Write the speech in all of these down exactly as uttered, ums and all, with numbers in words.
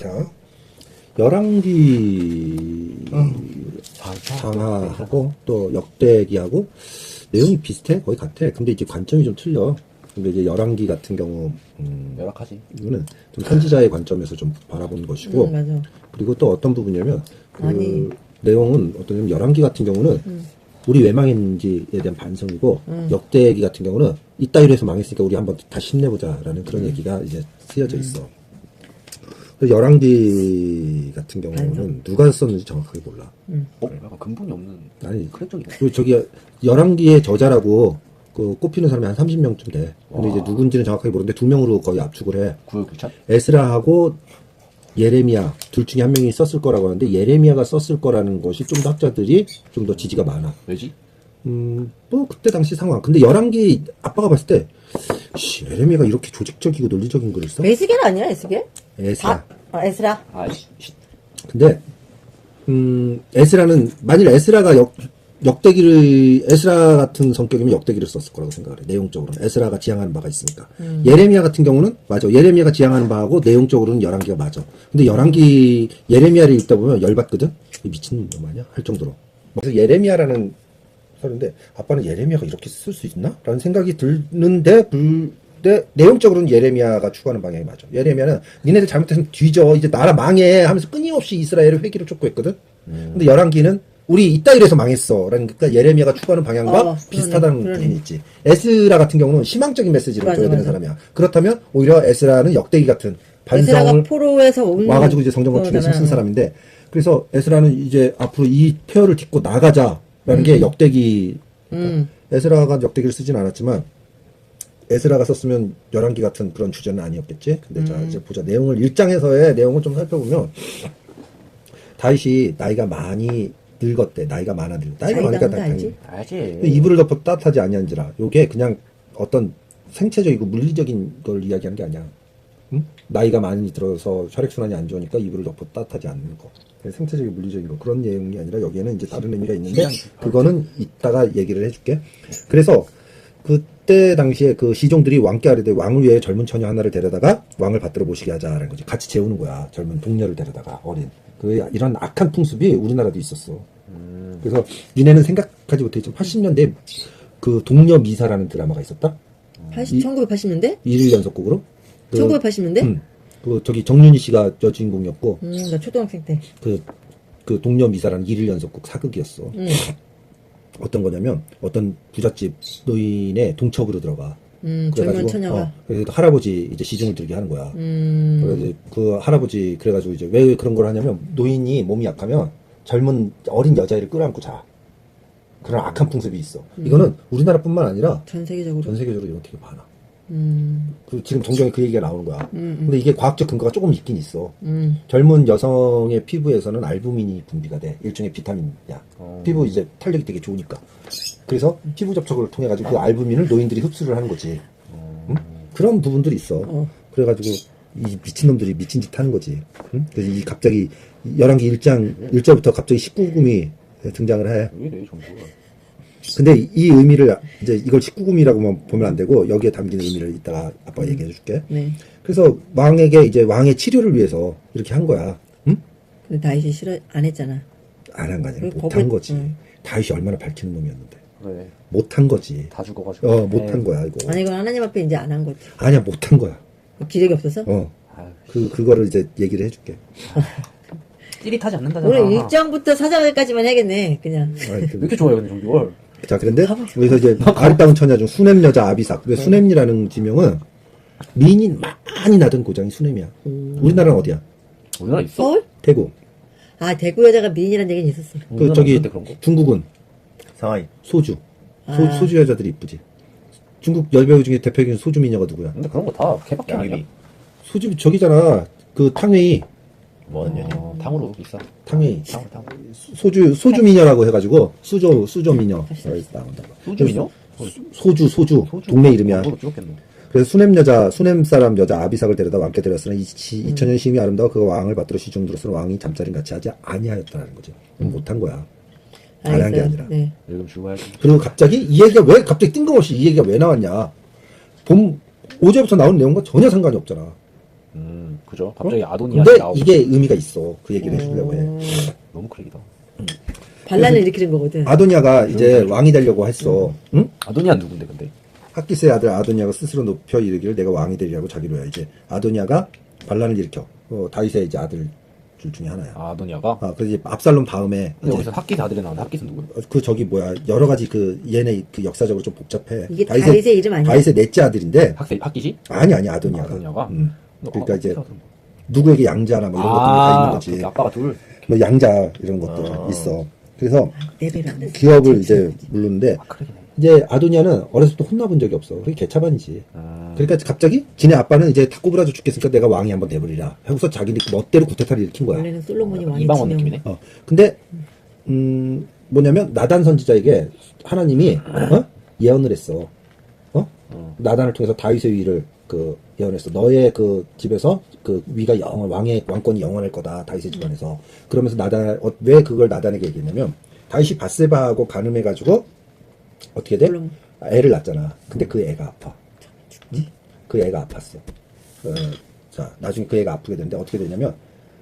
자, 열왕기 응. 장하하고 또 역대기하고 내용이 비슷해, 거의 같아. 근데 이제 관점이 좀 틀려. 근데 이제 열왕기 같은 경우 음, 열악하지. 이거는 좀 선지자의 관점에서 좀 바라보는 것이고, 음, 맞아. 그리고 또 어떤 부분이냐면 그 아니. 내용은 어떤 열왕기 같은 경우는 음. 우리 왜 망했는지에 대한 반성이고, 음. 역대기 같은 경우는 이따위로 해서 망했으니까 우리 한번 다시 힘내보자라는 그런 얘기가 이제 쓰여져 있어. 그래서 열왕기 같은 경우는 반성. 누가 썼는지 정확하게 몰라. 어? 약간 근본이 없는 아니, 그런 쪽이네. 그 저기 열왕기의 저자라고 그 꼽히는 사람이 한 삼십 명쯤 돼. 근데 와. 이제 누군지는 정확하게 모르는데 두 명으로 거의 압축을 해. 구역기찬? 에스라하고 예레미야 둘 중에 한 명이 썼을 거라고 하는데, 예레미야가 썼을 거라는 것이 좀 더 학자들이 좀 더 지지가 많아. 왜지? 음, 뭐 그때 당시 상황. 근데 열왕기 아빠가 봤을 때, 씨, 예레미야가 이렇게 조직적이고 논리적인 글을 써? 에스겔 아니야, 에스겔? 에스라. 아, 아, 에스라. 아, 씨, 씨. 근데 음, 에스라는 만일 에스라가 역 역대기를 에스라 같은 성격이면 역대기를 썼을 거라고 생각을 해. 내용적으로는 에스라가 지향하는 바가 있으니까. 음. 예레미야 같은 경우는 맞아. 예레미야가 지향하는 바하고 내용적으로는 열왕기가 맞아. 근데 열왕기 예레미야를 읽다 보면 열받거든. 미친놈 아니야? 할 정도로. 그래서 예레미야라는 설인데 아빠는 예레미야가 이렇게 쓸 수 있나? 라는 생각이 드는데 불 근데 내용적으로는 예레미야가 추구하는 방향이 맞아. 예레미야는 니네들 잘못해서 뒤져, 이제 나라 망해 하면서 끊임없이 이스라엘을 회기를 쫓고했거든. 음. 근데 열왕기는 우리 이따 이래서 망했어 라는, 그러니까 예레미야가 추구하는 방향과 어, 비슷하다는 그러네, 부분이 있지. 에스라 같은 경우는 희망적인 메시지를 맞아, 줘야 되는 맞아. 사람이야. 그렇다면 오히려 에스라는 역대기 같은 에스라가 반성을 포로에서 온 와가지고 이제 성전 건축에 거잖아. 힘쓴 사람인데, 그래서 에스라는 이제 앞으로 이 폐허를 딛고 나가자라는 음. 게 역대기. 음. 에스라가 역대기를 쓰진 않았지만 에스라가 썼으면 열왕기 같은 그런 주제는 아니었겠지. 근데 음. 자 이제 보자. 내용을 일 장에서의 내용을 좀 살펴보면, 다윗이 나이가 많이 늙었대. 나이가 많아 늙. 나이가 많으니까 자기가 당연히 알지. 이불을 덮어 따뜻하지 아니한지라. 요게 그냥 어떤 생체적이고 물리적인 걸 이야기하는 게 아니야. 응? 나이가 많이 들어서 혈액순환이 안 좋으니까 이불을 덮어 따뜻하지 않는 거. 생체적인 물리적인 거, 그런 내용이 아니라 여기에는 이제 다른 의미가 있는데 그거는 이따가 얘기를 해줄게. 그래서 그때 당시에 그 시종들이 왕께 아뢰되 왕을 위해 젊은 처녀 하나를 데려다가 왕을 받들어 모시게 하자라는 거지. 같이 재우는 거야. 젊은 동녀를 데려다가, 어린. 그 이런 악한 풍습이 우리나라도 있었어. 음. 그래서 니네는 생각하지 못했지만 팔십 년대 그 동녀 미사라는 드라마가 있었다. 팔십, 천구백팔십 년대? 일일 연속극으로. 그, 천구백팔십 년대? 음, 그 저기 정윤희 씨가 여주인공이었고, 음, 나 초등학생 때. 그, 그 동녀 미사라는 일일 연속극 사극이었어. 음. 어떤 거냐면 어떤 부잣집 노인의 동척으로 들어가. 음, 젊은 처녀가. 어, 그래서 할아버지 이제 시중을 들게 하는 거야. 음. 그래서 그 할아버지 그래가지고 이제 왜 그런 걸 하냐면, 노인이 몸이 약하면 젊은 어린 여자애를 끌어안고 자. 그런 악한 풍습이 있어. 음. 이거는 우리나라뿐만 아니라 전 세계적으로. 전 세계적으로 이건 되게 많아. 음. 그 지금 동경에 그 얘기가 나오는 거야. 음, 음. 근데 이게 과학적 근거가 조금 있긴 있어. 음. 젊은 여성의 피부에서는 알부민이 분비가 돼. 일종의 비타민이야. 어. 피부 이제 탄력이 되게 좋으니까. 그래서 피부 접촉을 통해 가지고 그 알부민을 노인들이 흡수를 하는 거지. 응? 그런 부분들이 있어. 어. 그래가지고 이 미친놈들이 미친 짓 하는 거지. 응? 그래서 이 갑자기 열왕기 일 장 일 절부터 갑자기 십구 금이 등장을 해. 왜 이래, 정보가. 근데 이 의미를 이제 이걸 십구 금이라고만 보면 안 되고, 여기에 담긴 의미를 이따가 아빠가 얘기해 줄게. 네. 그래서 왕에게 이제 왕의 치료를 위해서 이렇게 한 거야. 응? 근데 다윗이 싫어, 안 했잖아. 안 한 거 아니야. 그 못한 법을- 거지. 응. 다윗이 얼마나 밝히는 놈이었는데. 그래. 못한 거지. 다 죽어가지고. 어, 못한 에이. 거야, 이거. 아니, 이건 하나님 앞에 이제 안 한 거지. 아니야, 못한 거야. 기력이 없어서? 어. 아유, 그, 그거를 이제 얘기를 해줄게. 찌릿하지 않는다잖아. 우리 일 장부터 사 장까지만 해야겠네, 그냥. 아이, 왜 그- 이렇게 좋아해, 근데 정비월? 자, 그런데, 여기서 이제, 아리따운 처녀 중 수냄 여자 아비삭. 왜 수냄이라는 지명은 미인이 많이 나던 고장이 수냄이야. 우리나라는 어디야? 우리나라 있어? 서울? 대구. 아, 대구 여자가 미인이라는 얘기는 있었어. 그, 우리나라 저기, 없는데, 그런 거? 중국은 상하이. 소주. 소, 아. 소주 여자들이 이쁘지. 중국 열배우 중에 대표적인 소주 미녀가 누구야? 근데 그런 거 다 개밖에 아니야. 양귀비. 소주, 저기잖아. 그 탕웨이. 뭐하는 년이? 어, 탕으로 비싸. 탕웨이. 탕, 탕. 소주, 소주 미녀라고 해가지고, 수조, 수조 미녀. 여기 나온다. 소주 미녀? 소주, 소주. 소주. 동네 이름이야. 그걸로 죽었겠네. 그래서 수냄 여자, 수냄 사람 여자 아비삭을 데려다 왕께 데렸으나 이 이천 년 심히 아름다워 그 왕을 받들어 시중 들었으나 왕이 잠자림 같이 하지 아니하였다는 거지. 못한 거야. 안 한 게 알겠어요. 아니라. 네. 지금 죽어야지. 그리고 갑자기 이 얘기가 왜 갑자기 뜬금없이 이 얘기가 왜 나왔냐. 봄, 오제부터 나온 내용과 전혀 상관이 없잖아. 음, 그죠. 갑자기 아도니아 어? 근데 나오고. 이게 의미가 있어. 그 얘기를 해주려고 해. 음, 너무 크랙이다. 반란을 일으키는 거거든. 아도니아가 이제 왕이 되려고 했어. 응? 아도니아 누군데, 근데? 학기스의 아들 아도니아가 스스로 높여 이르기를 내가 왕이 되리라고 자기로야. 이제 아도니아가 반란을 일으켜. 어, 다윗의 이제 아들 줄 중에 하나야. 아, 아도니아가? 아, 그래서 이제 압살롬 다음에 근데 이제 여기서 학기 아들이 나오는데 학기는 누구야? 어, 그 저기 뭐야 여러 가지 그 얘네 그 역사적으로 좀 복잡해. 이게 다윗의 이름 아니야? 다윗의 넷째 아들인데 학기, 학기지? 아니 아니 아도니아가. 아도니아가? 음. 어, 그러니까 이제 학기 아들은 뭐. 누구에게 양자나 뭐 이런 것들이 다 있는 아, 거지. 그렇게 아빠가 둘. 뭐 양자 이런 것들 아. 있어. 그래서 내 배로 안 됐어. 기업을 이제 물르는데 아, 크랙이네. 이제 아도니아는 어렸을 때 혼나본 적이 없어. 그게 개차반이지. 음. 그러니까 갑자기 지네 아빠는 이제 다 꼬부라져 죽겠으니까 내가 왕이 한번 돼버리라. 하고서 자기 멋대로 구태타를 일으킨 거야. 원래는 솔로몬이 왕이 이방원 지명. 느낌이네. 어. 근데 음 뭐냐면 나단 선지자에게 하나님이 어? 예언을 했어. 어? 어. 나단을 통해서 다윗의 위를 그 예언했어. 너의 그 집에서 그 위가 영원 왕의 왕권이 영원할 거다. 다윗의 집안에서. 그러면서 나단 어, 왜 그걸 나단에게 얘기했냐면 다윗이 바세바하고 간음해 가지고 어떻게 돼? 물론. 애를 낳잖아. 근데 그 애가 아파. 응? 그 애가 아팠어. 어, 자, 나중에 그 애가 아프게 되는데 어떻게 되냐면,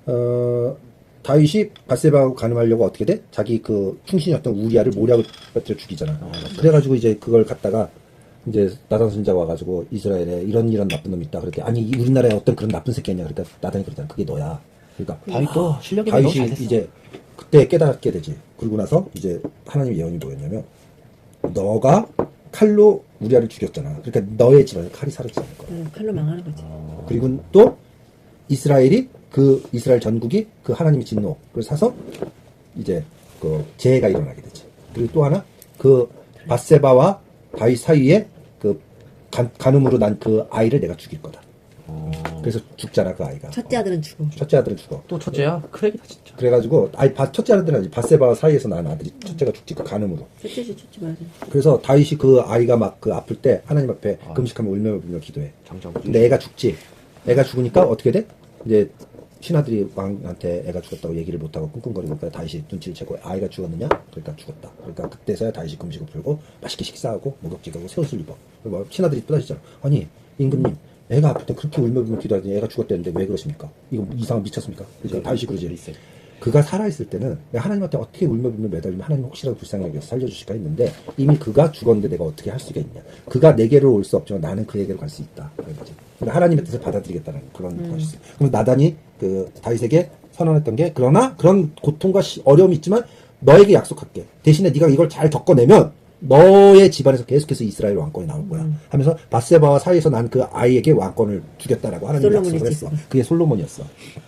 어, 다윗이 바세바하고 간음하려고 어떻게 돼? 자기 그 충신이었던 우리아를 모략을 빠뜨려 죽이잖아. 어, 그래가지고 이제 그걸 갖다가 이제 나단 선지자가 와가지고 이스라엘에 이런 이런 나쁜 놈이 있다. 그랬더니 아니 이 우리나라에 어떤 그런 나쁜 새끼 있냐. 그러니까 나단이 그러잖아. 그게 너야. 그러니까 다윗도 실력이 너무 잘 다윗이 됐어. 이제 그때 깨닫게 되지. 그러고 나서 이제 하나님 예언이 뭐였냐면 너가 칼로 우리아를 죽였잖아. 그러니까 너의 집안에 칼이 사라지지 않을 거야. 응, 칼로 망하는 거지. 그리고 또 이스라엘이 그 이스라엘 전국이 그 하나님의 진노를 사서 이제 그 재해가 일어나게 되지. 그리고 또 하나 그 바세바와 다윗 사이에 그 간, 간음으로 난 그 아이를 내가 죽일 거다. 어. 그래서 죽잖아 그 아이가. 첫째 아들은 죽어. 첫째 아들은 죽어. 또 첫째야? 크랙이다, 진짜. 그래가지고 아이 바- 첫째 아들은 아니지 바세바와 사이에서 난 아들이 첫째가 죽지 그 간음으로. 첫째지, 첫째 맞아. 그래서 다윗이 그 아이가 막 그 아플 때 하나님 앞에 아. 금식하며 울며 불며 기도해. 장자고. 근데 애가 죽지. 애가 죽으니까 어떻게 돼? 이제 신하들이 왕한테 애가 죽었다고 얘기를 못하고 끙끙거리니까 다윗이 눈치를 채고 아이가 죽었느냐? 그러니까 죽었다. 그러니까 그때서야 다윗이 금식을 풀고 맛있게 식사하고 목욕지가고 새 옷을 입어. 그리고 막 신하들이 또다시잖아. 아니 임금님 애가 아플 때 그렇게 울며 불며 기도하더니 애가 죽었다는데 왜 그러십니까? 이거 이상한 미쳤습니까? 그러니까 다윗이 그러지. 리셋. 그가 살아있을 때는 내가 하나님한테 어떻게 울며 불며 매달리면 하나님 혹시라도 불쌍히 여겨서 살려주실까 했는데 이미 그가 죽었는데 내가 어떻게 할 수가 있냐. 그가 내게로 올 수 없지만 나는 그에게로 갈 수 있다. 그런 거지. 그러니까 하나님의 뜻을 받아들이겠다는 그런 음. 것이 있어요. 그럼 나단이 그 다윗에게 선언했던 게 그러나 그런 고통과 시- 어려움이 있지만 너에게 약속할게. 대신에 네가 이걸 잘 겪어내면 너의 집안에서 계속해서 이스라엘 왕권이 나올 거야. 음. 하면서 바세바와 사이에서 난 그 아이에게 왕권을 주겠다라고 하나님이 솔로몬이지. 약속을 했어. 그게 솔로몬이었어.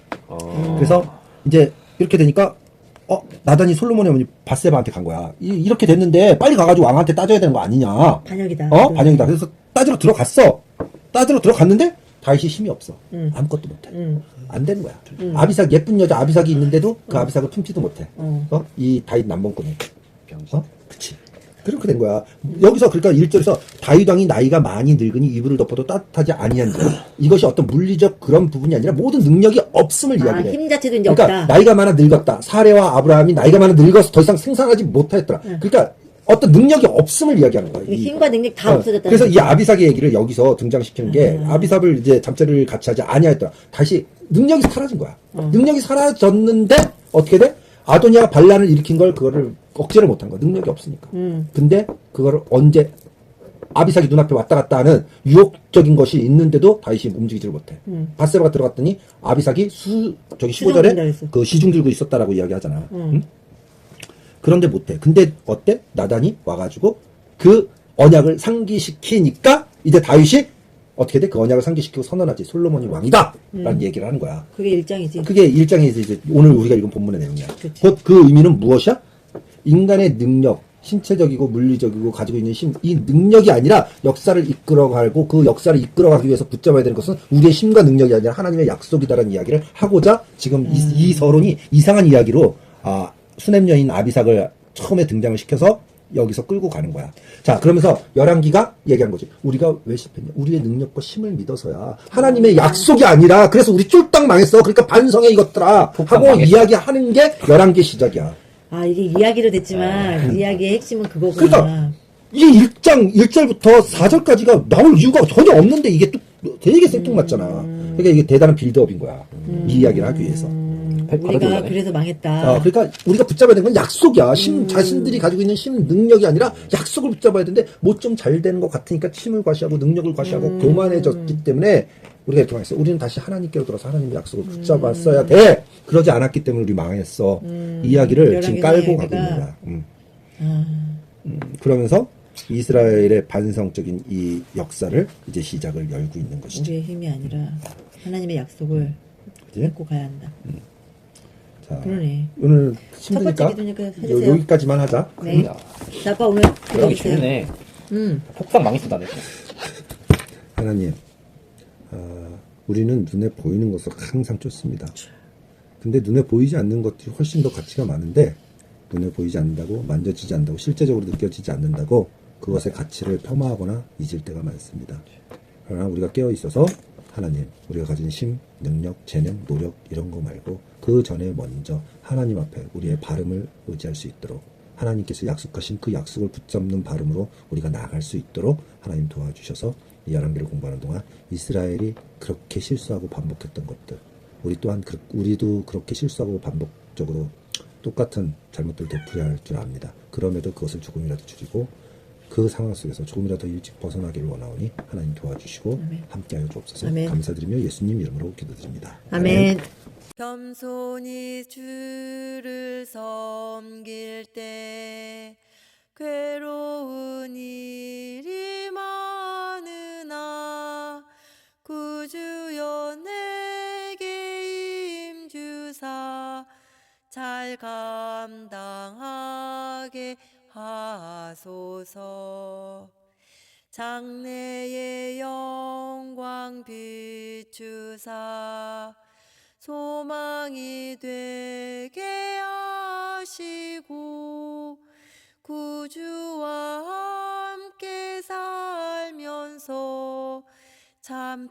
어. 그래서 이제 이렇게 되니까 어 나단이 솔로몬의 어머니 바세바한테 간 거야. 이, 렇게 됐는데 빨리 가가지고 왕한테 따져야 되는 거 아니냐? 반역이다. 어 반영이다. 그래서 따지러 들어갔어. 따지러 들어갔는데 다윗이 힘이 없어. 응. 아무것도 못해. 응. 안 되는 거야. 아비삭 예쁜 여자 아비삭이 있는데도 그 아비삭을 품지도 못해. 어. 어? 이 다윗 남봉꾼이. 병신. 어? 그치. 그렇게 된 거야. 여기서 그러니까 일 절에서 다윗 왕이 나이가 많이 늙으니 이불을 덮어도 따뜻하지 아니한지라. 이것이 어떤 물리적 그런 부분이 아니라 모든 능력이 없음을 아, 이야기해. 힘 자체도 이제 그러니까 없다. 나이가 많아 늙었다. 사레와 아브라함이 나이가 많아 늙어서 더 이상 생산하지 못하였더라. 그러니까 어떤 능력이 없음을 이야기하는 거야. 이 이- 힘과 능력 다 어, 없어졌다. 그래서 이 아비삭의 얘기를 여기서 등장시키는 게 음. 아비삭을 이제 잠자리를 같이 하지 아니하였더라. 다시 능력이 사라진 거야. 어. 능력이 사라졌는데 어떻게 돼? 아도니아가 반란을 일으킨 걸 그거를 억제를 못한 거야. 능력이 없으니까. 음. 근데 그거를 언제 아비삭이 눈앞에 왔다 갔다 하는 유혹적인 것이 있는데도 다윗이 움직이지를 못해. 음. 바세바가 들어갔더니 아비삭이 수 저기 시중 십오 절에 든다 그랬어. 그 시중 들고 있었다라고 이야기하잖아. 음. 응? 그런데 못해. 근데 어때? 나단이 와가지고 그 언약을 상기시키니까 이제 다윗이 어떻게 돼? 그 언약을 상기시키고 선언하지. 솔로몬이 왕이다! 라는 얘기를 하는 거야. 그게 일장이지. 그게 일장에서 이제 오늘 우리가 읽은 본문의 내용이야. 그치. 곧 그 의미는 무엇이야? 인간의 능력, 신체적이고 물리적이고 가지고 있는 힘, 이 능력이 아니라 역사를 이끌어가고 그 역사를 이끌어가기 위해서 붙잡아야 되는 것은 우리의 힘과 능력이 아니라 하나님의 약속이다라는 이야기를 하고자 지금 이, 이 서론이 이상한 이야기로 아, 수냄 여인 아비삭을 처음에 등장을 시켜서 여기서 끌고 가는 거야. 자, 그러면서 열왕기가 얘기한 거지. 우리가 왜 실패했냐? 우리의 능력과 힘을 믿어서야. 하나님의 약속이 아니라 그래서 우리 쫄딱 망했어. 그러니까 반성해 이것들아 하고 망했어. 이야기하는 게 열왕기 시작이야. 아, 이게 이야기로 됐지만 이야기의 핵심은 그거구나. 그러니까 이 일 장 일 절부터 사 절까지가 나올 이유가 전혀 없는데 이게 또 되게 생뚱맞잖아. 그러니까 이게 대단한 빌드업인 거야. 이 이야기를 하기 위해서. 백 우리가 받아들여네. 그래서 망했다. 어, 그러니까 우리가 붙잡아야 되는 건 약속이야. 심 자신들이 가지고 있는 심 능력이 아니라 약속을 붙잡아야 되는데 뭐 좀 잘 되는 것 같으니까 힘을 과시하고 능력을 과시하고 교만해졌기 때문에 우리가 이렇게 망했어. 우리는 다시 하나님께로 돌아서 하나님의 약속을 붙잡았어야 돼. 그러지 않았기 때문에 우리 망했어. 이 이야기를 지금 깔고 가고 있는 거야. 음. 음, 그러면서 이스라엘의 반성적인 이 역사를 이제 시작을 열고 있는 것이죠. 우리의 힘이 아니라 하나님의 약속을 그지? 믿고 가야 한다. 자, 그러네. 오늘 첫 번째 힘드니까 기도니까 요, 해주세요. 여기까지만 하자. 네. 야, 자, 아빠 오늘 그러기 기도해주세요. 쉽네. 음. 폭삭 망했어, 나네. 하나님, 아, 우리는 눈에 보이는 것을 항상 쫓습니다. 근데 눈에 보이지 않는 것들이 훨씬 더 가치가 많은데 눈에 보이지 않는다고, 만져지지 않는다고, 실제적으로 느껴지지 않는다고 그것의 가치를 폄하하거나 잊을 때가 많습니다. 그러나 우리가 깨어 있어서 하나님, 우리가 가진 힘, 능력, 재능, 노력 이런 거 말고 그 전에 먼저 하나님 앞에 우리의 발음을 의지할 수 있도록, 하나님께서 약속하신 그 약속을 붙잡는 발음으로 우리가 나아갈 수 있도록 하나님 도와주셔서 이 열왕기를 공부하는 동안 이스라엘이 그렇게 실수하고 반복했던 것들, 우리 또한 그, 우리도 그렇게 실수하고 반복적으로 똑같은 잘못들을 되풀이할 할 줄 압니다. 그럼에도 그것을 조금이라도 줄이고 그 상황 속에서 조금이라도 일찍 벗어나기를 원하오니 하나님 도와주시고 아멘. 함께하여 주옵소서. 아멘. 감사드리며 예수님 이름으로 기도드립니다. 아멘. 겸손히 주를 섬길 때 괴로운 일이 많으나 구주여 내게 임주사 잘 감당하게 하소서. 장래의 영광 비추사 소망이 되게 하시고 구주와 함께 살면서 참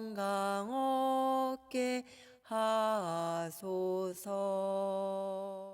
평강 얻게 하소서.